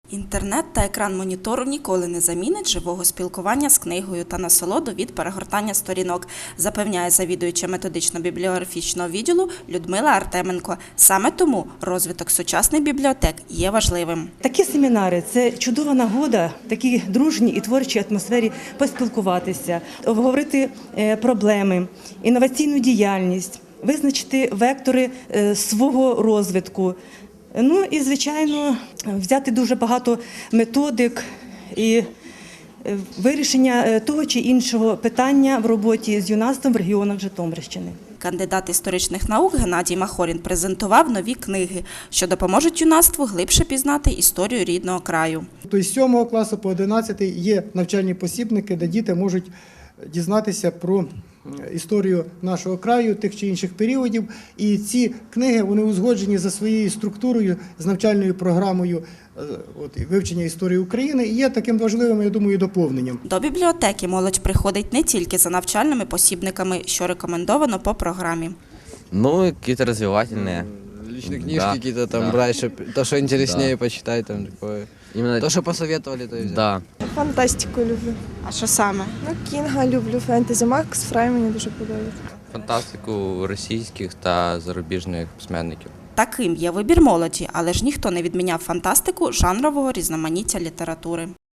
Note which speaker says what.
Speaker 1: Інтернет та екран монітору ніколи не замінить живого спілкування з книгою та насолоду від перегортання сторінок, запевняє завідуюча методично-бібліографічного відділу Людмила Артеменко. Саме тому розвиток сучасних бібліотек є важливим.
Speaker 2: Такі семінари – це чудова нагода в такій дружній і творчій атмосфері поспілкуватися, обговорити проблеми, інноваційну діяльність, визначити вектори свого розвитку. Ну і, звичайно, взяти дуже багато методик і вирішення того чи іншого питання в роботі з юнацтвом в регіонах Житомирщини.
Speaker 1: Кандидат історичних наук Геннадій Махорін презентував нові книги, що допоможуть юнацтву глибше пізнати історію рідного краю.
Speaker 3: Тобто з 7 класу по 11 є навчальні посібники, де діти можуть дізнатися про історію нашого краю, тих чи інших періодів. І ці книги, вони узгоджені за своєю структурою, з навчальною програмою вивчення історії України і є таким важливим, я думаю, доповненням.
Speaker 1: До бібліотеки молодь приходить не тільки за навчальними посібниками, що рекомендовано по програмі.
Speaker 4: Ну, какие-то развивательные.
Speaker 5: Личные книжки какие-то там брать, то, что интереснее почитать, там такое.
Speaker 4: Именно...
Speaker 5: То, что посоветовали, то и взять.
Speaker 4: Да.
Speaker 6: Фантастику люблю.
Speaker 1: А що саме?
Speaker 6: Ну, Кінга люблю, фентезі. Макс Фрай мені дуже подобається.
Speaker 4: Фантастику російських та зарубіжних письменників.
Speaker 1: Таким є вибір молоді, але ж ніхто не відміняв фантастику жанрового різноманіття літератури.